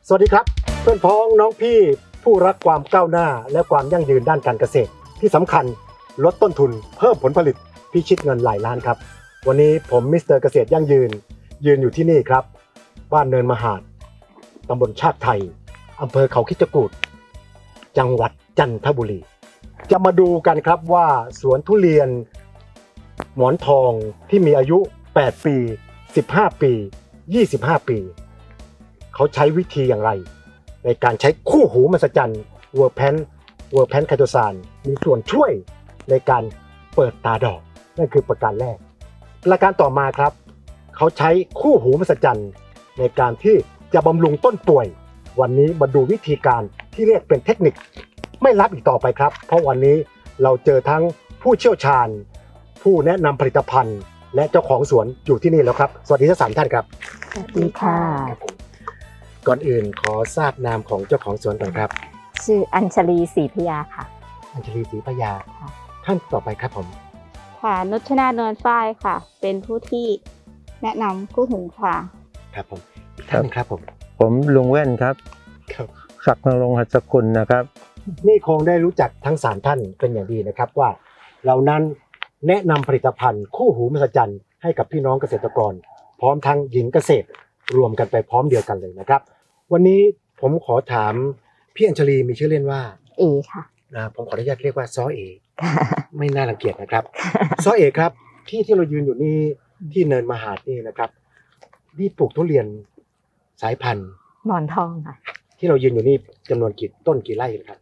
สวัสดีครับเพื่อนพ้องน้องพี่ผู้รักความก้าวหน้าและความยั่งยืนด้านการเกษตรที่สำคัญลดต้นทุนเพิ่มผลผลิตพิชิตเงินหลายล้านครับวันนี้ผมมิสเตอร์เกษตรยั่งยืนอยู่ที่นี่ครับบ้านเนินมหาดตำบลชากไทยอำเภอเขาคิดจกูฏจังหวัดจันทบุรีจะมาดูกันครับว่าสวนทุเรียนหมอนทองที่มีอายุ8ปี15ปี25ปีเขาใช้วิธีอย่างไรในการใช้คู่หูมหัศจรรย์เวอร์แพนไคโตซานมีส่วนช่วยในการเปิดตาดอกนั่นคือประการแรกประการต่อมาครับเขาใช้คู่หูมหัศจรรย์ในการที่จะบำรุงต้นป่วยวันนี้มาดูวิธีการที่เรียกเป็นเทคนิคไม่ลับอีกต่อไปครับเพราะวันนี้เราเจอทั้งผู้เชี่ยวชาญผู้แนะนำผลิตภัณฑ์และเจ้าของสวนอยู่ที่นี่แล้วครับสวัสดีทั้ง3ท่านครับสวัสดีค่ะก่อนอื่นขอทราบนามของเจ้าของสวนก่อนครับชื่ออัญชลีศรีพยาค่ะอัญชลีศรีพยาท่านต่อไปครับผมค่ะนุชนาเนินฝ้ายค่ะเป็นผู้ที่แนะนำคู่หูค่ะครับผมอีกท่านนึงครับผมลุงแว่นครับศักดิ์นรงค์หัสกุลนะครับนี่คงได้รู้จักทั้ง3ท่านเป็นอย่างดีนะครับว่าเรานั้นแนะนำผลิตภัณฑ์คู่หูมหัศจรรย์ให้กับพี่น้องเกษตรกรพร้อมทั้งหญิงเกษตรรวมกันไปพร้อมเดียวกันเลยนะครับวันนี้ผมขอถามพี่อัญชลีมีชื่อเล่นว่าเอค่ะผมขออนุญาตเรียกว่าซ้อเอไม่น่ารังเกียจนะครับซ้อเอครับที่เรายืนอยู่นี่ที่เนินมหาดนี่นะครับนี่ปลูกทุเรียนสายพันธุ์หมอนทองค่ะที่เรายืนอยู่นี่จำนวนกี่ต้นกี่ไร่ครับ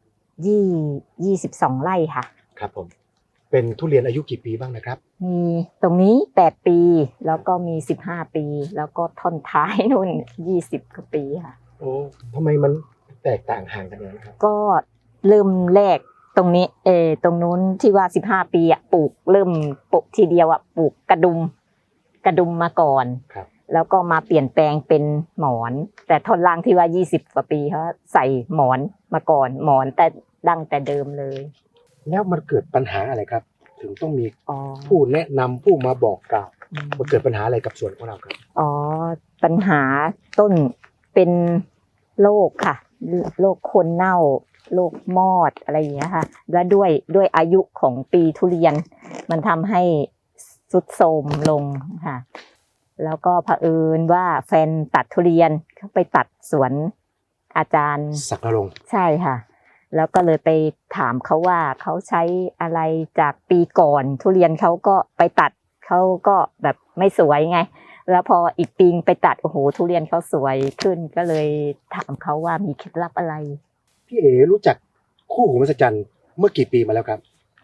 22ไร่ค่ะครับผมเป็นทุเรียนอายุกี่ปีบ้างนะครับมีตรงนี้8ปีแล้วก็มี15ปีแล้วก็ท่อนท้ายนู่น20กว่าปีค่ะโอ้ทำไมมันแตกต่างห่างกันอย่างนั้นครับก็เริ่มแรกตรงนี้ตรงนู้นที่ว่า15ปีอ่ะปลูกเริ่มปลูกทีเดียวอ่ะปลูกกระดุมมาก่อนครับแล้วก็มาเปลี่ยนแปลงเป็นหมอนแต่ท่อนล่างที่ว่า20กว่าปีเขาใส่หมอนมาก่อนหมอนแต่ดั้งแต่เดิมเลยแล้วมันเกิดปัญหาอะไรครับถึงต้องมีผู้แนะนำผู้มาบอกกล่าวมันเกิดปัญหาอะไรกับสวนของเราครับปัญหาต้นเป็นโรคค่ะโรคโคนเน่าโรคมอดอะไรอย่างเงี้ยค่ะและด้วยอายุของปีทุเรียนมันทำให้ทรุดโทรมลงค่ะแล้วก็เผอิญว่าแฟนตัดทุเรียนเขาไปตัดสวนอาจารย์ศักดิ์นรงค์ใช่ค่ะแล้วก็เลยไปถามเขาว่าเขาใช้อะไรจากปีก่อนทุเรียนเขาก็ไปตัดเขาก็แบบไม่สวยไงแล้วพออีกปีไปตัดโอ้โหทุเรียนเขาสวยขึ้นก็เลยถามเขาว่ามีเคล็ดลับอะไรพี่เอ๋รู้จักคู่หูมหัศจรรย์เมื่อกี่ปีมาแล้วครับ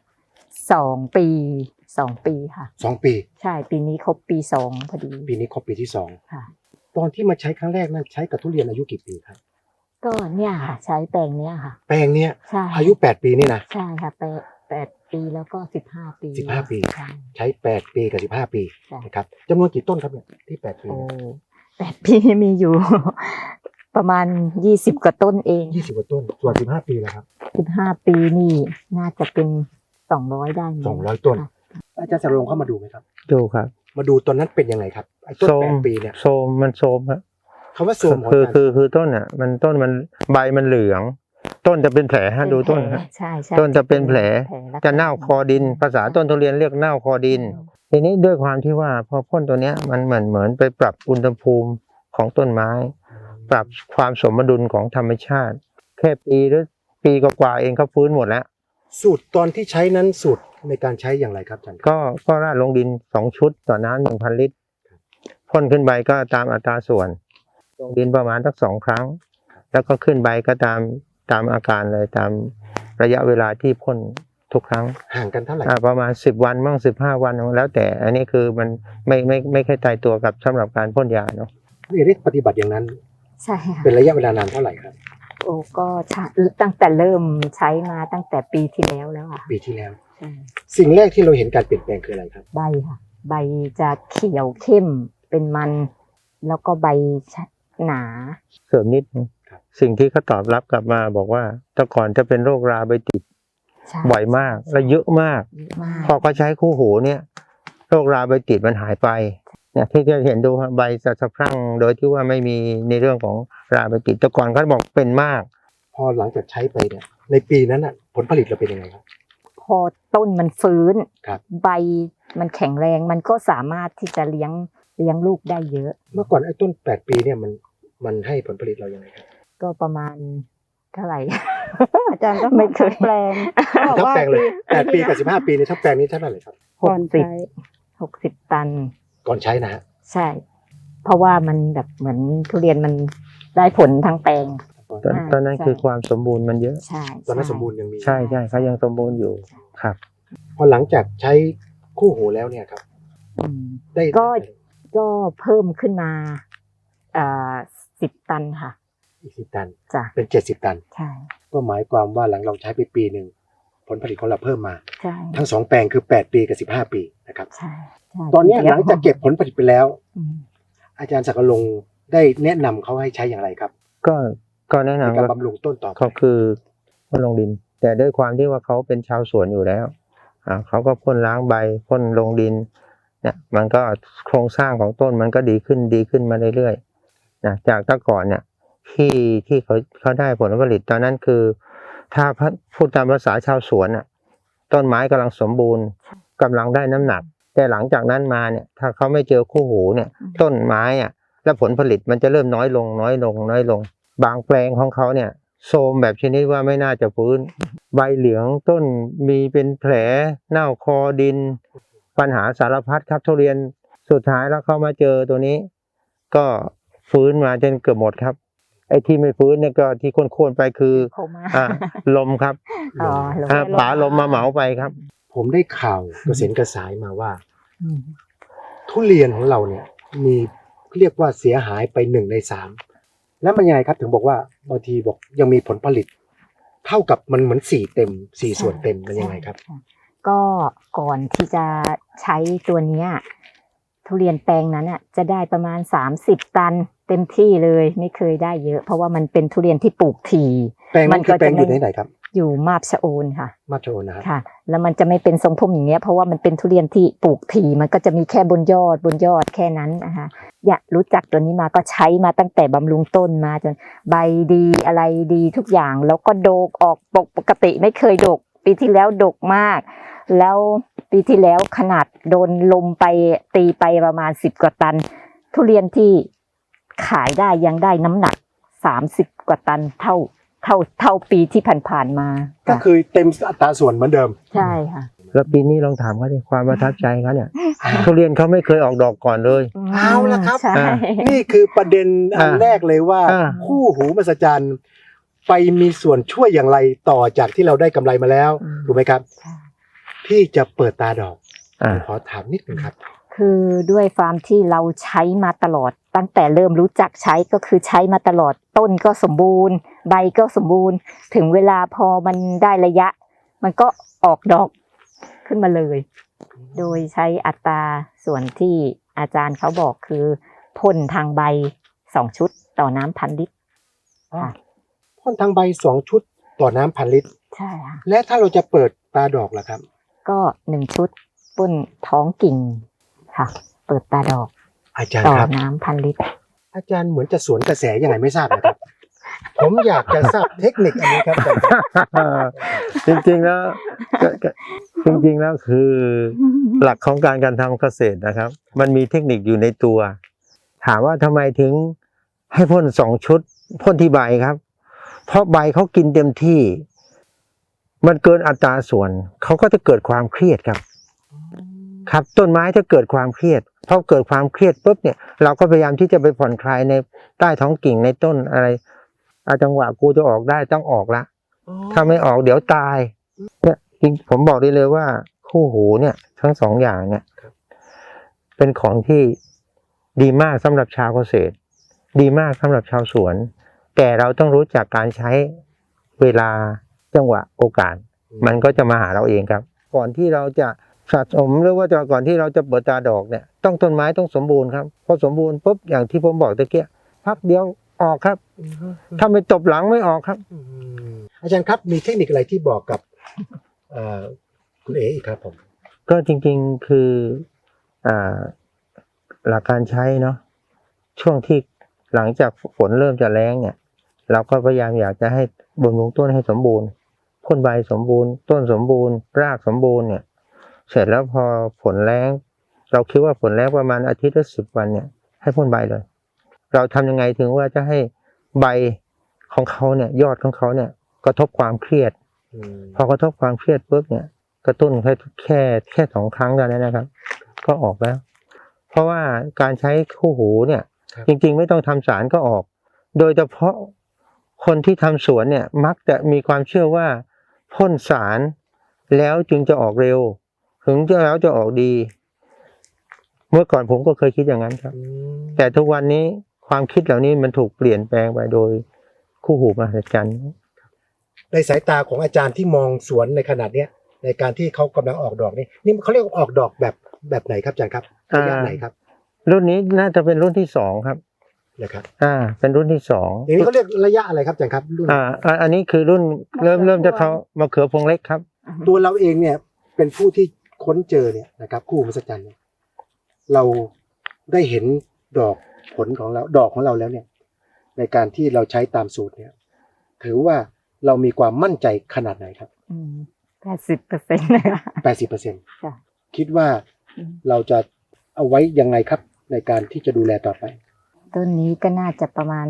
2ปีค่ะ 2ปีใช่ปีนี้ครบปี2พอดีปีนี้ครบปีที่2 ค่ะตอนที่มาใช้ครั้งแรกนั้นใช้กับทุเรียนอายุกี่ปีครับก็เนี่ยค่ะใช้แปลงเนี้ยค่ะแปลงเนี้ยอายุ8ปีนี่นะใช่ค่ะ8ปีแล้วก็15ปี 15ปีใช้8ปีกับ15ปีนะครับจำนวนกี่ต้นครับเนี่ยที่8ปี 8ปีมีอยู่ประมาณ20กว่าต้นเอง 20กว่าต้นส่วน15ปีแล้วครับ 15ปีนี่น่าจะเป็น200ได้ 200ต้นอาจารย์สรงค์เข้ามาดูไหมครับดูครับมาดูตอนนั้นเป็นยังไงครับไอ้ต้น8ปีเนี่ยโซมมันโซมครับคำว่าโซมคือต้นอ่ะต้นมันใบมันเหลืองต้นจะเป็นแผลฮะดูต้นฮะใช่ต้นจะเป็นแผลจะเน่าคอดินภาษาต้นทุเรียนเรียกเน่าคอดินทีนี้ด้วยความที่ว่าพอพ่นตัวเนี้ยมันเหมือนไปปรับอุณหภูมิของต้นไม้ปรับความสมดุลของธรรมชาติแค่ปีหรือปีกว่าเองเขาฟื้นหมดแล้วสูตรตอนที่ใช้นั้นสูตรในการใช้อย่างไรครับอาจารย์ก็ราดลงดิน2ชุดต่อน้ำ 1,000 ลิตรพ่นขึ้นใบก็ตามอัตราส่วนลงดินประมาณสัก2ครั้งแล้วก็ขึ้นใบก็ตามอาการเลยตามระยะเวลาที่พ่นทุกครั้งห่างกันเท่าไหร่ประมาณ10วันบ้าง15วันแล้วแต่อันนี้คือมันไม่ค่อยตายตัวกับสำหรับการพ่นยาเนาะนี่ได้ปฏิบัติอย่างนั้นใช่ค่ะเป็นระยะเวลานานเท่าไหร่ครับก็ตั้งแต่เริ่มใช้มาตั้งแต่ปีที่แล้วอ่ะปีที่แล้วสิ่งแรกที่เราเห็นการเปลี่ยนแปลงคืออะไรครับใบค่ะใบจะเขียวเข้มเป็นมันแล้วก็ใบหนาเสริมนิดสิ่งที่เขาตอบรับกลับมาบอกว่าแต่ก่อนจะเป็นโรคราใบติดบ่อยมากและเยอะมากพอเขาใช้คู่หูเนี่ยโรคราใบติดมันหายไปเนี่ยที่จะเห็นดูครับใบสะพรั่งโดยที่ว่าไม่มีในเรื่องของราใบติดแต่ก่อนเขาบอกเป็นมากพอหลังจากใช้ไปเนี่ยในปีนั้นน่ะผลผลิตเราเป็นยังไงครับพอต้นมันฟื้นครับใบมันแข็งแรงมันก็สามารถที่จะเลี้ยงลูกได้เยอะเมื่อก่อนไอ้ต้น8 ปีเนี่ยมันให้ผลผลิตเรายังไงครับก็ประมาณเท่าไหร่อาจารย์ก็ไม่เคยแปลงบอกทั้งว่าแปลงเลย8 ปีกับ15 ปีในทั้งแปลงนี้เท่าไหร่ครับก่อนใช้ 60 ตันก่อนใช้นะฮะใช่ เพราะว่ามันแบบเหมือนทุเรียนมันได้ผลทั้งแปลงตอนนั้นใช่คือความสมบูรณ์มันเยอะใช่ตอนนั้นสมบูรณ์ยังมีใช่เขายังสมบูรณ์อยู่ครับพอหลังจากใช้คู่หูแล้วเนี่ยครับอืมได้ก็เพิ่มขึ้นมา10 ตันค่ะอีก10 ตันจ้ะเป็น70 ตันใช่ก็หมายความว่าหลังเราใช้ไปปีหนึ่งผลผลิตของเราเพิ่มมาใช่ทั้ง2 แปลงคือ8 ปีกับ15 ปีนะครับใช่ใช่ตอนเนี้ยหลังจากเก็บผลผลิตไปแล้วอืมอาจารย์ศักดิ์ลงค์ได้แนะนำเขาให้ใช้อย่างไรครับก็แนะในนำการว่าบำรุงต้นต่อไปก็คือพ่นลงดิน แต่ด้วยความที่ว่าเขาเป็นชาวสวนอยู่แล้วเขาก็พ่นล้างใบพ่นลงดินเนี่ยมันก็โครงสร้างของต้นมันก็ดีขึ้นมาเรื่อยๆนะจากแต่ก่อนเนี่ยที่เขาได้ผลผลิตตอนนั้นคือ ถ้าพูดตามภาษาชาวสวนต้นไม้กำลังสมบูรณ์กำลังได้น้ำหนัก แต่หลังจากนั้นมาเนี่ยถ้าเขาไม่เจอคู่หูเนี่ยต้นไม้และผลผลิตมันจะเริ่มน้อยลง บางแปลงของเขาเนี่ยโทรมแบบชนิดว่าไม่น่าจะฟื้นใบเหลืองต้นมีเป็นแผลเน่าคอดิน ปัญหาสารพัดครับทุเรียนสุดท้ายแล้วเขามาเจอตัวนี้ ก็ฟื้นมาจนเกือบหมดครับไอ้ที่ไม่ฟื้นเนี่ยก็ที่โค่นๆไปคือโคม่าลมครับอ๋อลงป๋าลมมาเหมาไปครับผมได้ข่าวกระเซ็นกระสายมาว่าอืมทุเรียนของเราเนี่ยมีเรียกว่าเสียหายไป1 ใน 3แล้วมันยังไงครับถึงบอกว่าบางทีบอกยังมีผลผลิต เท่ากับมันเหมือน4 ส่วนเต็มมันยังไงครับใช่ก็ก่อนที่จะใช้ตัวเนี้ยทุเรียนแปลงนั้นจะได้ประมาณ30 ตันเต็มที่เลยไม่เคยได้เยอะ เพราะว่ามันเป็นทุเรียนที่ปลูกถี่แปลงนั้นคือแปลงอยู่ไหนครับอยู่มาบชะโอนค่ะมาโชนะครับค่ะ แล้วมันจะไม่เป็นทรงพุ่มอย่างเงี้ยเพราะว่ามันเป็นทุเรียนที่ปลูกถี่มันก็จะมีแค่บนยอดแค่นั้นนะคะอยากรู้จักตัวนี้มาก็ใช้มาตั้งแต่บำรุงต้นมาจนใบดีอะไรดีทุกอย่างแล้วก็โดกออกปกติไม่เคยดกปีที่แล้วดกมาก แล้วปีที่แล้วขนาดโดนลมไปตีไปประมาณ10 กว่าตัน ทุเรียนที่ขายได้ยังได้น้ำหนัก30 กว่าตันเท่าปีที่ผ่านๆมาก็คือเต็มอัตราส่วนเหมือนเดิมใช่ค่ะแล้วปีนี้ลองถามเขาดิความประทับใจเขาเนี่ยทุเรียนเขาไม่เคยออกดอกก่อนเลยเอาละครับใช่นี่คือประเด็นอันอ่าแรกเลยว่าอ่าคู่หูมหัศจรรย์ไปมีส่วนช่วยอย่างไรต่อจากที่เราได้กำไรมาแล้วถูกไหมครับ ที่จะเปิดตาดอก ขอถามนิดนึงครับคือด้วยความที่เราใช้มาตลอดตั้งแต่เริ่มรู้จักใช้ก็คือใช้มาตลอดต้นก็สมบูรณ์ ใบก็สมบูรณ์ ถึงเวลาพอมันได้ระยะ มันก็ออกดอกขึ้นมาเลย โดยใช้อัตราส่วนที่อาจารย์เขาบอกคือพ่นทางใบ2 ชุดต่อน้ำ1,000 ลิตรค่ะพ่นทางใบ2 ชุดต่อน้ำ1,000 ลิตรใช่ค่ะและถ้าเราจะเปิดตาดอกล่ะครับก็1 ชุดพ่นท้องกิ่งค่ะ เปิดตาดอกอาจารย์ต่อครับน้ำ1,000 ลิตรอาจารย์เหมือนจะสวนกระแสยังไงไม่ทราบนะครับ ผมอยากจะทราบเทคนิคอันนี้ครับอาจารย์ครับจริงๆแล้วคือหลักของการทำเกษตรนะครับ มันมีเทคนิคอยู่ในตัว ถามว่าทำไมถึงให้พ่น2 ชุดพ่นที่ใบครับ เพราะใบเขากินเต็มที่ มันเกินอัตราส่วนเขาก็จะเกิดความเครียดครับ ครับต้นไม้ถ้าเกิดความเครียดพอเกิดความเครียดปุ๊บเนี่ยเราก็พยายามที่จะไปผ่อนคลายในใต้ท้องกิ่งในต้นอะไรจังหวะกูจะออกได้ต้องออกละถ้าไม่ออกเดี๋ยวตายเนี่ยจริงผมบอกได้เลยว่าคู่หูเนี่ยทั้ง2 อย่างเนี่ยเป็นของที่ดีมากสำหรับชาวเกษตร ดีมากสำหรับชาวสวน แต่เราต้องรู้จักการใช้เวลาจังหวะโอกาส มันก็จะมาหาเราเองครับ ก่อนที่เราจะสะสมหรือว่าก่อนที่เราจะเปิดตาดอกเนี่ยต้องต้นไม้ต้องสมบูรณ์ครับพอสมบูรณ์ปุ๊บอย่างที่ผมบอกตะเกียพักเดียวออกครับ ถ้าไม่ตบหลังไม่ออกครับอาจารย์ครับมีเทคนิคอะไรที่บอกกับคุณเอ๋อีกครับผมก็จริงๆคือหลักการใช้เนาะช่วงที่หลังจากฝนเริ่มจะแล้งเนี่ยเราก็พยายามอยากจะให้บำรุงต้นให้สมบูรณ์พ่นใบสมบูรณ์ต้นสมบูรณ์รากสมบูรณ์เนี่ยเสร็จแล้วพอฝนแล้งเราคิดว่าฝนแล้งประมาณอาทิตย์ละ10 วันเนี่ยให้พ่นใบเลยเราทำยังไงถึงว่าจะให้ใบของเขาเนี่ยยอดของเขาเนี่ยกระทบความเครียดพอกระทบความเครียดปุ๊บเนี่ยกระตุ้นแค่2 ครั้งเท่านั้นนะครับก็ออกแล้วเพราะว่าการใช้คู่หูเนี่ยจริงๆไม่ต้องทำสารก็ออกโดยเฉพาะคนที่ทำสวนเนี่ยมักจะมีความเชื่อว่าพ่นสารแล้วจึงจะออกเร็วถึงจะแล้วจะออกดีเมื่อก่อนผมก็เคยคิดอย่างนั้นครับแต่ทุกวันนี้ความคิดเหล่านี้มันถูกเปลี่ยนแปลงไปโดยคู่หูมหัศจรรย์ในสายตาของอาจารย์ที่มองสวนในขนาดเนี้ยในการที่เขากำลังออกดอกนี่เขาเรียกว่าออกดอกแบบไหนครับอาจารย์ครับระยะไหนครับรุ่นนี้น่าจะเป็นรุ่นที่2ครับนะครับเป็นรุ่นที่2 อย่างนี้เขาเรียกระยะอะไรครับอาจารย์ครับรุ่นอันนี้คือรุ่นเริ่มจะเขามะเขือพวงเล็กครับตัวเราเองเนี่ยเป็นผู้ที่ค้นเจอเนี่ยนะครับคู่หูมหัศจรรย์เนี่ยเราได้เห็นดอกผลของเราดอกของเราแล้วเนี่ยในการที่เราใช้ตามสูตรเนี่ยถือว่าเรามีความมั่นใจขนาดไหนครับ 80%นะคะ 80%คิดว่าเราจะเอาไว้ยังไงครับในการที่จะดูแลต่อไปต้นนี้ก็น่าจะประมาณ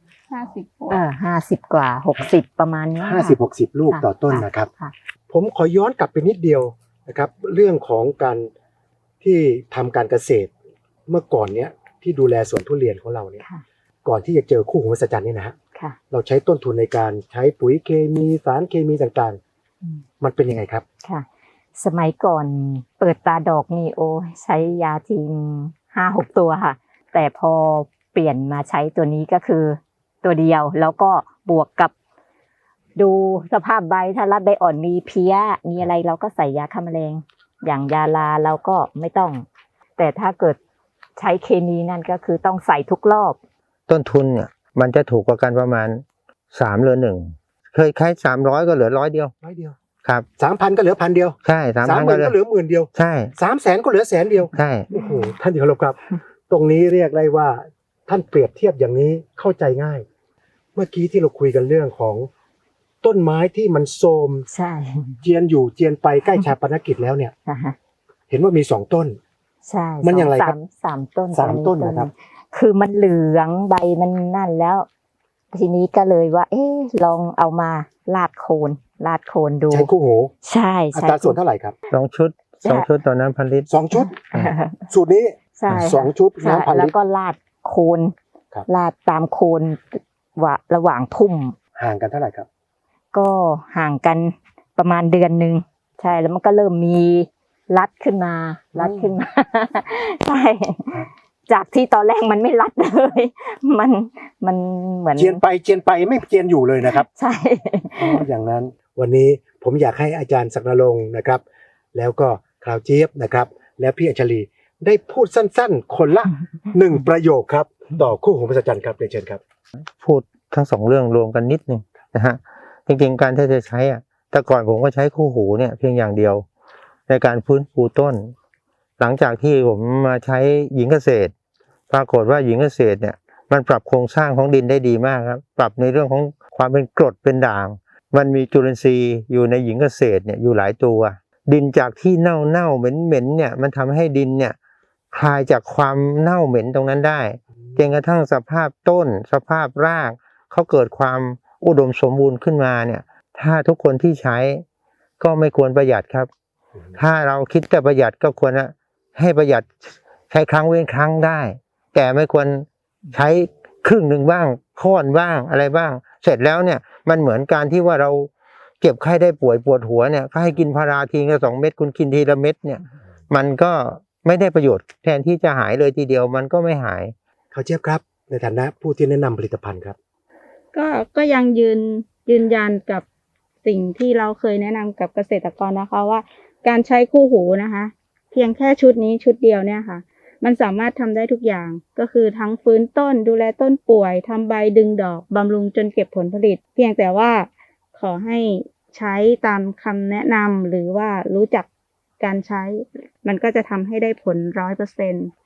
50 กว่า60ประมาณนี้ 50-60 ลูกต่อต้นนะครับผมขอย้อนกลับไปนิดเดียวนะครับเรื่องของการที่ทำการเกษตรเมื่อก่อนเนี้ยที่ดูแลสวนทุเรียนของเราเนี่ยก่อนที่จะเจอคู่หูมหัศจรรย์นี่นะฮะเราใช้ต้นทุนในการใช้ปุ๋ยเคมีสารเคมีต่างๆมันเป็นยังไงครับค่ะสมัยก่อนเปิดตาดอกนี่โอ้ใช้ยาทิ้ง5-6 ตัวค่ะแต่พอเปลี่ยนมาใช้ตัวนี้ก็คือตัวเดียวแล้วก็บวกกับดูสภาพใบถ้ารัดใบอ่อนมีเพี้ยมีอะไรเราก็ใส่ยาฆ่าแมลงอย่างยาลาเราก็ไม่ต้องแต่ถ้าเกิดใช้เคมีนั่นก็คือต้องใส่ทุกรอบต้นทุนเนี่ยมันจะถูกกว่ากันประมาณ3 เหลือ 1เคยใช้300ก็เหลือ100 เดียวครับ 3,000 ก็เหลือ1,000 เดียวใช่ 3,000 ก็เหลือ10,000 เดียวใช่ 300,000 ก็เหลือ100,000 เดียวใช่โอ้โหท่านที่เคารพครับตรงนี้เรียกได้ว่าท่านเปรียบเทียบอย่างนี้เข้าใจง่ายเมื่อกี้ที่เราคุยกันเรื่องของต้นไม้ที่มันโทรมใช่เจียนอยู่เจียนไปใกล้ชาปนกิจแล้วเนี่ยเห็นว่ามี2 ต้นใช่มันอย่างไรครับ 3 ต้น 3 ต้นนะครับคือมันเหลืองใบมันนั่นแล้วทีนี้ก็เลยว่าลองเอามาลาดโคนดูใช้คู่หูใช่อัตราส่วนเท่าไหร่ครับ 2 ชุดต่อน้ำ1,000 ลิตร 2 ชุดสูตรนี้2 ชุดน้ำ1,000 ลิตรแล้วก็ลาดโคนลาดตามโคนว่าระหว่างพุ่มห่างกันเท่าไหร่ครับก็ห่างกันประมาณเดือนนึงใช่แล้วมันก็เริ่มมีรัดขึ้นมาใช่จากที่ตอนแรกมันไม่รัดเลยมันเหมือนเจียนไปไม่เจียนอยู่เลยนะครับใช่อย่างนั้นวันนี้ผมอยากให้อาจารย์ศักดิ์นรงค์นะครับแล้วก็คราวเจี๊ยบนะครับและพี่อัญชลีได้พูดสั้นๆคนละ1 ประโยคครับต่อคู่หูมหัศจรรย์ครับเรียนเชิญครับพูดทั้ง2 เรื่องรวมกันนิดนึงนะฮะจริงๆการที่จะใช้แต่ก่อนผมก็ใช้คู่หูเนี่ยเพียงอย่างเดียวในการฟื้นฟูต้นหลังจากที่ผมมาใช้หญิงเกษตรปรากฏว่าหญิงเกษตรเนี่ยมันปรับโครงสร้างของดินได้ดีมากครับปรับในเรื่องของความเป็นกรดเป็นด่างมันมีจุลินทรีย์อยู่ในหญิงเกษตรเนี่ยอยู่หลายตัวดินจากที่เน่าเหม็นเนี่ยมันทำให้ดินเนี่ยคลายจากความเน่าเหม็นตรงนั้นได้จนกระทั่งสภาพต้นสภาพรากเขาเกิดความอุดมสมบูรณ์ขึ้นมาเนี่ยถ้าทุกคนที่ใช้ก็ไม่ควรประหยัดครับถ้าเราคิดแต่ประหยัดก็ควรให้ประหยัดใช้ครั้งเว้นครั้งได้แต่ไม่ควรใช้ครึ่งหนึ่งบ้างค่อนบ้างอะไรบ้างเสร็จแล้วเนี่ยมันเหมือนการที่ว่าเราเจ็บไข้ได้ป่วยปวดหัวเนี่ยก็ให้กินพาราทีละ2 เม็ดคุณกินทีละเม็ดเนี่ยมันก็ไม่ได้ประโยชน์แทนที่จะหายเลยทีเดียวมันก็ไม่หายเขาเจี๊ยบครับในฐานะผู้ที่แนะนำผลิตภัณฑ์ครับก็ยังยืนยันกับสิ่งที่เราเคยแนะนำกับเกษตรกรนะคะว่าการใช้คู่หูนะคะเพียงแค่ชุดนี้ชุดเดียวเนี่ยค่ะมันสามารถทำได้ทุกอย่างก็คือทั้งฟื้นต้นดูแลต้นป่วยทำใบดึงดอกบำรุงจนเก็บผลผลิตเพียงแต่ว่าขอให้ใช้ตามคำแนะนำหรือว่ารู้จักการใช้มันก็จะทำให้ได้ผล100%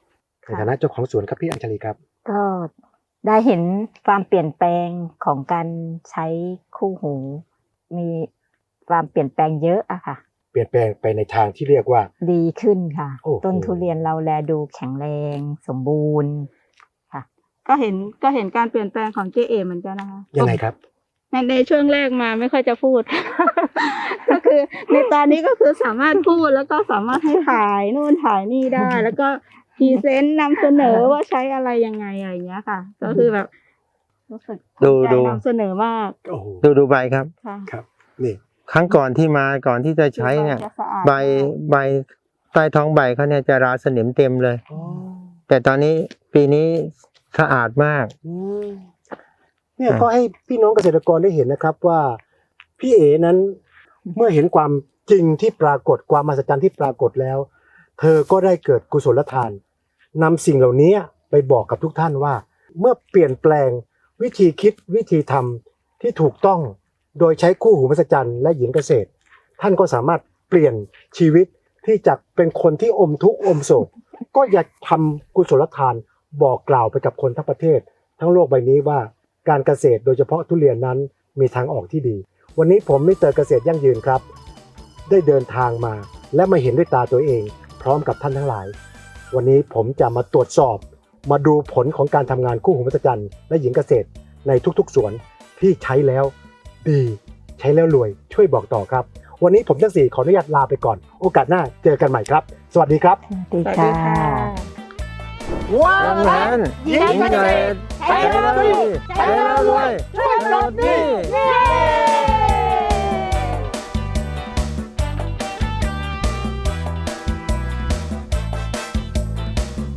ในฐานะเจ้าของสวนครับพี่อัญชลีครับก็ได้เห็นความเปลี่ยนแปลงของการใช้คู่หู มีความเปลี่ยนแปลงเยอะอะค่ะเปลี่ยนแปลงไปในทางที่เรียกว่าดีขึ้นค่ะโอ้โหต้นทุเรียนเราแลดูแข็งแรงสมบูรณ์ค่ะก็เห็นการเปลี่ยนแปลงของเจเอเหมือนกันนะคะยังไงครับในช่วงแรกมาไม่ค่อยจะพูด ก็คือในตอนนี้ก็คือสามารถพูดแล้วก็สามารถให้ถ่ายนู่นถ่ายนี่ได้ แล้วก็พรีเซนต์นำเสนอว่าใช้อะไรยังไงอะไรอย่างเงี้ยค่ะ ก็คือแบบรู้สึกภูมิใจนำเสนอมากโอ้โหดูใบครับค่ะครับนี่ครั้งก่อนที่มาก่อนที่จะใช้เนี่ยจะสะอาดใบใต้ท้องใบเขาเนี่ยจะราสนิมเต็มเลยอ๋อแต่ตอนนี้ปีนี้สะอาดมากอืมเนี่ยก็ให้พี่น้องเกษตรกรได้เห็นนะครับว่าพี่เอ๋นั้นเมื่อเห็นความจริงที่ปรากฏความมหัศจรรย์ที่ปรากฏแล้ว เธอก็ได้เกิดกุศลทานนำสิ่งเหล่านี้ไปบอกกับทุกท่านว่า เมื่อเปลี่ยนแปลงวิธีคิดวิธีทำที่ถูกต้องโดยใช้คู่หูมหัศจรรย์และหญิงเกษตร ท่านก็สามารถเปลี่ยนชีวิตที่จากเป็นคนที่อมทุกข์อมโศก ก็อยากทำกุศลทานบอกกล่าวไปกับคนทั้งประเทศ ทั้งโลกใบนี้ว่าการเกษตรโดยเฉพาะทุเรียนนั้นมีทางออกที่ดี วันนี้ผมมิสเตอร์เกษตรยั่งยืนครับ ได้เดินทางมาและมาเห็นด้วยตาตัวเอง พร้อมกับท่านทั้งหลาย วันนี้ผมจะมาตรวจสอบ มาดูผลของการทำงานคู่หูมหัศจรรย์และหญิงเกษตรในทุกๆสวนที่ใช้แล้วดีใช้แล้วรวยช่วยบอกต่อครับ วันนี้ผมทั้งสี่ขออนุญาตลาไปก่อน โอกาสหน้าเจอกันใหม่ครับ สวัสดีครับสวัสสวัสดีดีค่ะค่ะว้าดังนั้นหญิงเกษตรใช้แล้วดีใช้แล้วรวยช่วยปลดหนี้